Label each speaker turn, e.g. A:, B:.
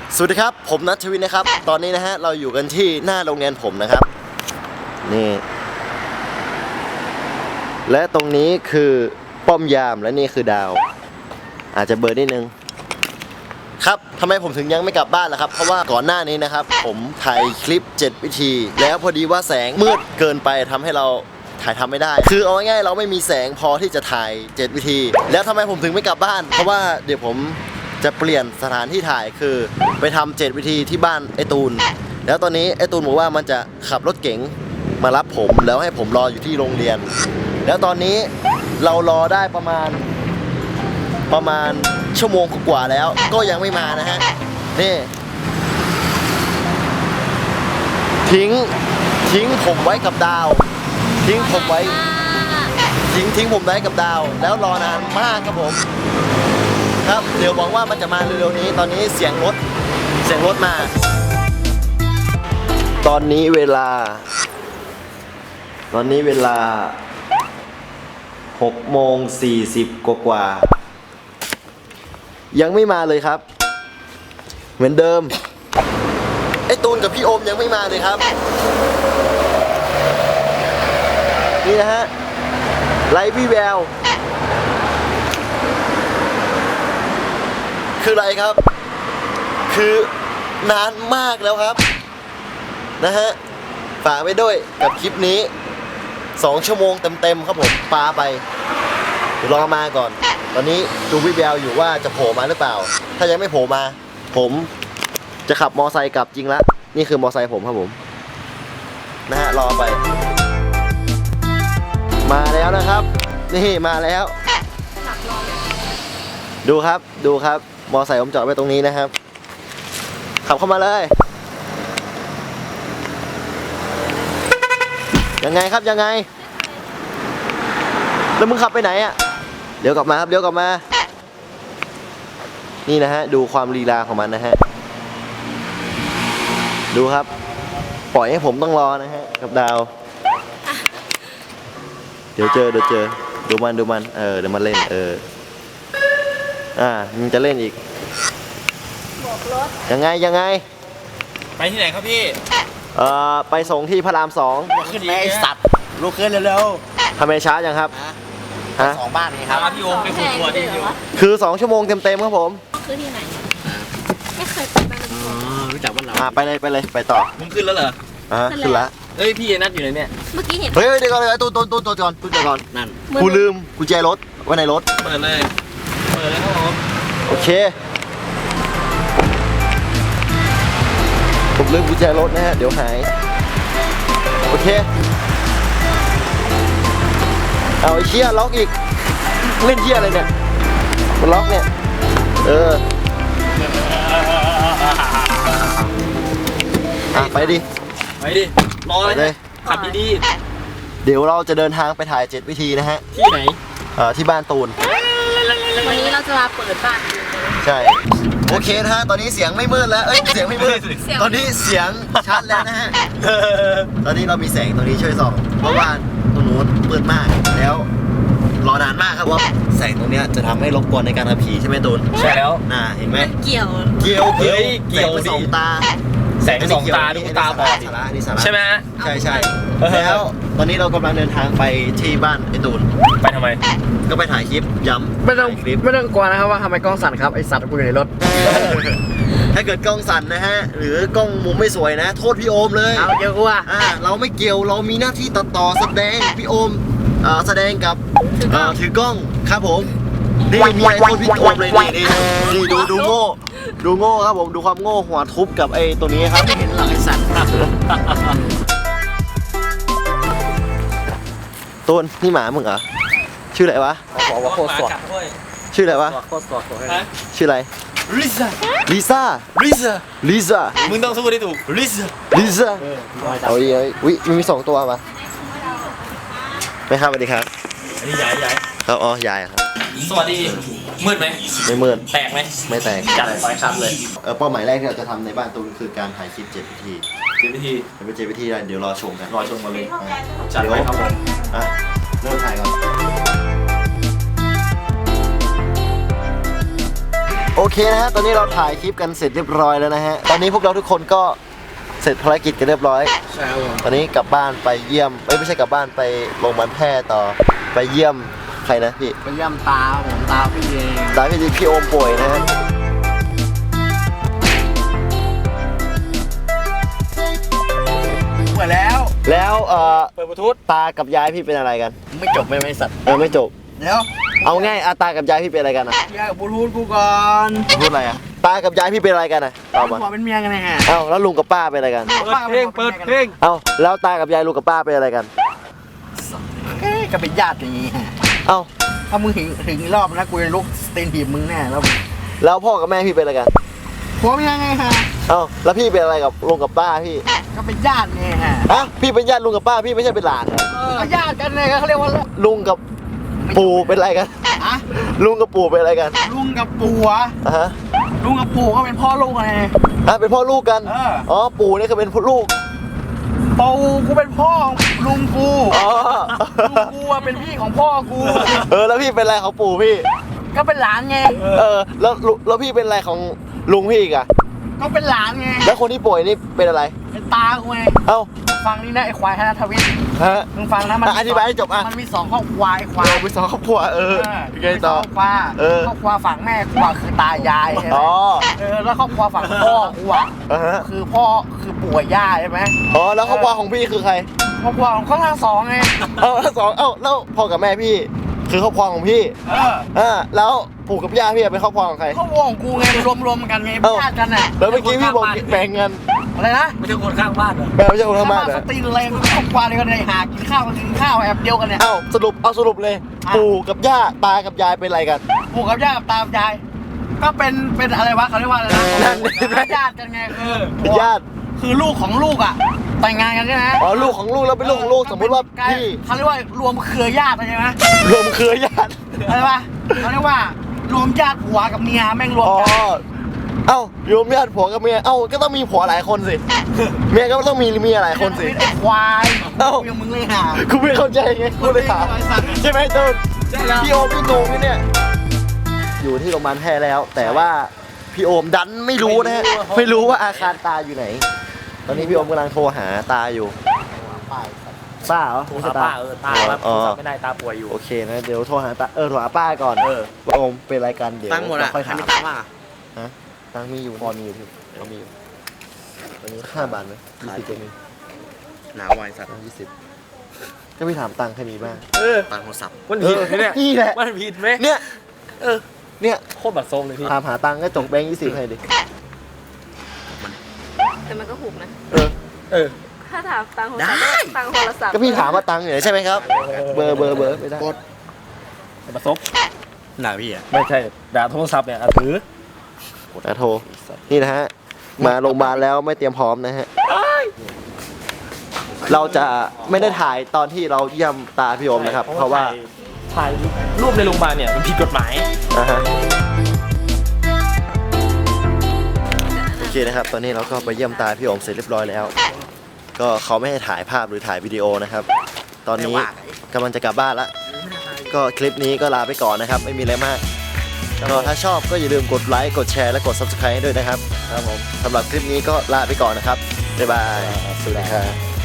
A: สวัสดีครับผมนัทชวินนะครับตอนนี้นะฮะเราอยู่กันที่หน้าโรงเรียนผมนะครับนี่และตรงนี้คือป้อมยามและนี่คือดาวอาจจะเบลอนิดนึงครับทำไมผมถึงยังไม่กลับบ้านล่ะครับเพราะว่าก่อนหน้านี้นะครับผมถ่ายคลิป7วิธีแล้วพอดีว่าแสงมืดเกินไปทำให้เราถ่ายทำไม่ได้คือเอาง่ายๆเราไม่มีแสงพอที่จะถ่าย7วิธีแล้วทำไมผมถึงไม่กลับบ้านเพราะว่าเดี๋ยวผมจะเปลี่ยนสถานที่ถ่ายคือไปทำ7วิธีที่บ้านไอตูนแล้วตอนนี้ไอตูนบอกว่ามันจะขับรถเก๋งมารับผมแล้วให้ผมรออยู่ที่โรงเรียนแล้วตอนนี้เรารอได้ประมาณชั่วโมงกว่าแล้วก็ยังไม่มานะฮะนี่ทิ้งผมไว้กับดาวทิ้งผมไว้กับดาวแล้วรอนานมากครับผมครับเดี๋ยวหวังว่ามันจะมาเร็วๆนี้ตอนนี้เสียงรถมาตอนนี้เวลา6:40กว่ายังไม่มาเลยครับเหมือนเดิมไอ้ตูนกับพี่โอมยังไม่มาเลยครับนี่นะฮะไร้วี่แววคืออะไรครับคือนานมากแล้วครับนะฮะฝากไว้ด้วยกับคลิปนี้2 ชั่วโมงเต็มๆครับผมปาไปเดี๋ยวรอมาก่อนตอนนี้ดูวิแววอยู่ว่าจะโผล่มาหรือเปล่าถ้ายังไม่โผล่มาผมจะขับมอไซค์กลับจริงละนี่คือมอไซค์ผมครับผมนะฮะรอไปมาแล้วนะครับนี่มาแล้วดูครับมอไซค์ผมจอดไว้ตรงนี้นะครับขับเข้ามาเลยยังไงครับยังไงแล้วมึงขับไปไหนอ่ะเดี๋ยวกลับมาครับเดี๋ยวกลับมานี่นะฮะดูความลีลาของมันนะฮะดูครับปล่อยให้ผมต้องรอนะฮะกับดาวเดี๋ยวเจอดูมันเดี๋ยวมันเล่นมันจะเล่นอีกยังไง
B: ไปที่ไหนครับพี่
A: ไปส่งที่พระราม 2
B: ขึ้นแม่สัตว์ลุกขึ้นเร็ว
A: ทำไมช้าจังครับ
B: ฮะ2 บ้านนี้ครับพี่โอมไปขุดตัวที่อยู่
A: คือ2 ชั่วโมงเต็มครับผม
C: คือที่ไหนไม่เคยไปบ้านเรา
B: รู้จักบ้านเรา
A: ไปเลยไปต่อ
B: มึงขึ้นแล้วเหรอ
A: ขึ้นละ
B: เอ้ยพี่นัดอยู่ไหนเนี่ย
C: เมื่อกี้เห็น
A: เฮ้ยเดี๋ยวก่อนเลยตูนก่อน
B: นั่น
A: กูลืมกุญแจรถไว้ในรถ
B: เปิดเลยครับผม
A: โอเคผมลืมกุญแจรถนะฮะเดี๋ยวหายโอเคเอาไอ้เชี่ยล็อกอีกเล่นเชี่ยอะไรเนี่ยมันล็อกเนี่ยไปดิ
B: รอเลยขับดี
A: ๆเดี๋ยวเราจะเดินทางไปถ่าย7วิธีนะฮะ
B: ที่ไหน
A: ที่บ้านตูน
C: วันนี้เราจะมาเปิดบ้าน
A: ใช่โอเคนะฮะตอนนี้เสียงไม่มืดแล้วเสียงไม่มืดตอนนี้เสียงชัดแล้วนะฮะตอนนี้เรามีแสงตรงนี้ช่วยส่องเพราะว่าตรงนู้นมืดมากแล้วรอนานมากครับว่าแสงตรงนี้จะทำให้รบกวนในการขับขี่ใช่ไหมตูน
B: ใช่แล้ว
A: เห็นไหม
C: เกี่ยว
A: สองตา
B: แสง2 ตาดูตาบอดใช่ไหม
A: ใช่แล้วตอนนี้เรากำลังเดินทางไปที่บ้านไอตูน
B: ไปทำไม
A: ก็ไปถ่ายคลิปย้ำ
D: ไม่ต้องกลัวนะครับว่าทำไมกล้องสั่นครับไอสัตว์กูอยู่ในรถ
A: ถ้าเกิดกล้องสั่นนะฮะหรือกล้องมุมไม่สวยนะโทษพี่โอมเลย
D: เอาเยอะกว่า
A: เราไม่เกี่ยวเรามีหน้าที่ตัดต่อแสดงพี่โอมแสดงกับถือกล้องครับผมนี่มีไอโฟนพี่โอมเลยนี่ดูโง่ครับผมดูความโง่หัวทุบกับไอ้ตัวนี้ครับ
D: เห็นหลังไอสัตว์
A: ต้นนี่หมามึงเหรอชื่ออะไรวะ
D: บอกว่าโคตรสด
A: ชื่ออะไรวะ
D: โคตรสด
A: ชื่ออะไรลิซ่า
B: มึงต้องสู้ได้ถูกลิ
A: ซ่าเอาดิอุ้ยมี2 ตัวป่ะไม่ครับสวัสดีครับ
B: อันนี้ใหญ่
A: ครับยายครับ
B: สวัสดีมืดไหม
A: ไม่มืด
B: แตกไหม
A: ไม่แตก
B: จัดไปชัดเลย
A: เป้าหมายแรกที่เราจะทำในบ้านตูนคือการถ่ายคลิป7 วิธีเดี๋ยวรอชมกันเลย
B: จัดไปครับผม
A: เริ่มถ่ายก่อนโอเคนะฮะตอนนี้เราถ่ายคลิปกันเสร็จเรียบร้อยแล้วนะฮะตอนนี้พวกเราทุกคนก็เสร็จภารกิจกันเรียบร้อย
D: ใช่ครับผม
A: ตอนนี้กลับบ้านไปเยี่ยมไม่ใช่กลับบ้านไปโรงพยาบาลแพร่ต่อไปเยี่ยมใครนะพี่
D: ไปเยี่ยมตาผมตาพี่เอง
A: ตายพี่โอมป่วยนะฮะ
D: เปิดแล้ว
A: แล้ว
B: เปิดบลูทูธ
A: ตากับยายพี่เป็นอะไรกัน
D: ไม่จบไม่สัตว์
A: ไม่จบ
D: เดี๋ยว
A: เอาง่ายตากับยายพี่เป็นอะไรกันอะ
D: แยกกับบลูทูธกูก่อน
A: พูดอะไรอะตากับยายพี่เป็นอะไรกันอะตอบมา
D: ผัวเป็นเมียกันไงฮะ
A: เอ้าแล้วลุงกับป้าเป็นอะไรกัน
B: เปิดเพลงเปิดเพลง
A: เอ้าแล้วตากับยายลุงกับป้าเป็นอะไรกัน
D: ก็เป็นญาติอย่างงี้ฮะ
A: เอ้า
D: ถ้ามึงถึงรอบนะกูจะลุกสตีนถีบมึงแน่แล้ว
A: แล้วพ่อกับแม่พี่เป็นอะไรกัน
D: ผัวเป็นยังไงฮะ
A: เอ้าแล้วพี่เป็นอะไรกับลุงกับป้าพี่
D: ก็เป็นญาติไงฮะ
A: ฮะพี่เป็นญาติลุงกับป้าพี่ไม่ใช่เป็นหลาน
D: ก็ญาติกันเลยเขาเรียกว่า
A: ลุงกับปู่เป็นอะไรกัน
D: อะ
A: ลุงกับปู่เป็นอะไรกัน
D: ลุงกับปู่อะ
A: อ่ะฮะ
D: ลุงกับปู่ก็เป็นพ่อลูกไง
A: เป็นพ่อลูกกัน
D: เออ
A: อ๋อปู่นี่คือเป็นลูก
D: ปู่กูเป็นพ่อลุงกู
A: อ๋อ
D: ลุงกูอะเป็นพี่ของพ่อกู
A: แล้วพี่เป็นอะไรของปู่พี่
D: ก็เป็นหลานไง
A: แล้วพี่เป็นอะไรของลุงพี่อีกอะ
D: ก็เป็นหลานไง
A: แล้วคนที่ป่วยนี่เป็นอะไร
D: เป็นตากูไง
A: เอ้า
D: ฟังนี่นะไอ้ควายธนทวิทย์
A: ฮะ
D: มึงฟังนะมัน
A: อธิบายให้จบอ่ะ
D: มันมี2ครอบครัวไอ้ควาย
A: ไปสองครอบครัวยังไงต่อ
D: ครอบครัว
A: เออ
D: ครอบครัวฝั่งแม่กูอะคือตายายใช่ไหม
A: อ๋อ
D: แล้วครอบครัวฝั่งพ่อกูอะ
A: อ่าฮะ
D: คือพ่อคือปู่กับย่าใช่ไหม
A: อ๋อแล้วครอบครัวของพี่คือใคร
D: ครอบครัวของเขาทั้งสองไง
A: แล้วสองแล้วพ่อกับแม่พี่ คือครอบครัวของพี่แล้วปู่กับย่าพี่เป็นครอบครัวของใคร
D: ครอบครัวของกูไงรวมกันไงเป็นญาติกันน่ะ
A: แล้วเมื่อกี้พี่บอกแบ่งเงิน
D: อะไรนะ
B: ไม่ใช่คนข้างบ้านเหรอ
A: ไม่ใช่คนทั้งบ้านเหร
D: ส
A: อ
D: ตีนอะไรครอบครัวเดียวกันเลยหากินข้าวแอบเดียวกันเนี่ย
A: สรุปเลย ปู่กับย่าตากับยายเป็นอะไรกัน
D: ปู่กับย่ากับตากับยายก็เป็นอะไรวะเขาเรียกว่าอะไรนะ
A: นั่น
D: ญาติกันไงคือ
A: เป็นญาติ
D: คือลูกของลูกอ่ะแต่งงานกันใช่ไหม
A: อ๋อลูกของลูกแล้วเป็นลูกของลูกสมมติว่าพี่
D: เขาเรียกว่ารวมเครือญาติใช่ไหม
A: รวมเครือญาติ
D: อะไรวะเขาเรียกว่ารวมญาติผัวกับเมียแม่งรวม
A: อ๋อ
D: กัน
A: รวมญาติผัวกับเมียก็ต้องมีผัวหลายคนสิเมียก็ต้องมีเมียหลายคนสิ
D: ไอ้ควาย
A: เอ้า
D: ยังมึงเลยหา
A: กูไม่เข้าใจไงกูเลยถามใช่ไหมตูน
D: ใช่แล้ว
A: พี่โอมพี่โกงนี่เนี่ยอยู่ที่โรงพยาบาลแพร่แล้ว แต่ว่าพี่โอมดันไม่รู้นะฮะไม่รู้ว่าอาคารตาอยู่ไหน ตอนนี้พี่โอมกำลังโทรหาตาอยู่ป้าเหรอ
B: โทรหาป้าตาครับโทรศัพท์ไม่ได้ตาป่วยอยู่
A: โอเคนะเดี๋ยวโทรหาตาโทรหาป้าก่อนว่าโอมเป็นรายการเดี๋ยว
D: ตั้งหมดอ่ะ
A: ค่อยถาม
D: มีตังค์ป่ะ
A: ตังค์มีอยู่พอมีอยู่พี่พอมีอยู่ตอนนี้5 บาทไหม20จะมี
D: หนาไวสัตว์
A: ก็พี่ถามตังค์แค่นี้บ้าง
D: ตังค์โทรศัพท์
B: มันผิดไหมเนี่ย
A: นี่แหละ
B: มันผิดไหม
A: เนี่ยเนี่ย
B: โคตรบัดซบเลยพี่
A: ถามหาตังค์ก็จกแบงค์20ให้ดิ
C: แต่มันก็หุบนะ
B: เออ
C: ถ้าถามตังค์โทรศัพท์ตังค์โทรศัพท์
A: ก็พี่ถามว่าตังค์อยู่ไหนใช่ไหมครับ เบอร์ไม่ได้
B: บัดซบ
D: หนาพี่อ่ะ
B: ไม่ใช่ด่าโทรศัพท์เนี่ยถือ
A: โทรนี่นะฮะมาโรงพยาบาลแล้วไม่เตรียมพร้อมนะฮะเราจะไม่ได้ถ่ายตอนที่เราเยี่ยมตาพี่โอมนะครับ เพราะว่า
B: ถ่ายรูปในโรงพยาบาลเนี่ยมันผิดกฎหมาย
A: โอเคนะครับ ตอนนี้เราก็ไปเยี่ยมตาพี่โอมเสร็จเรียบร้อยแล้ว ก็เขาไม่ให้ถ่ายภาพหรือถ่ายวิดีโอนะครับ ตอนนี้กำลังจะกลับบ้านละก็คลิปนี้ก็ลาไปก่อนนะครับ ไม่มีอะไรมากก็ถ้าชอบก็อย่าลืมกดไลค์กดแชร์และกด Subscribe ให้ด้วยนะครับครับผมสำหรับคลิปนี้ก็ลาไปก่อนนะครับบ๊ายบายสวัสดีครับ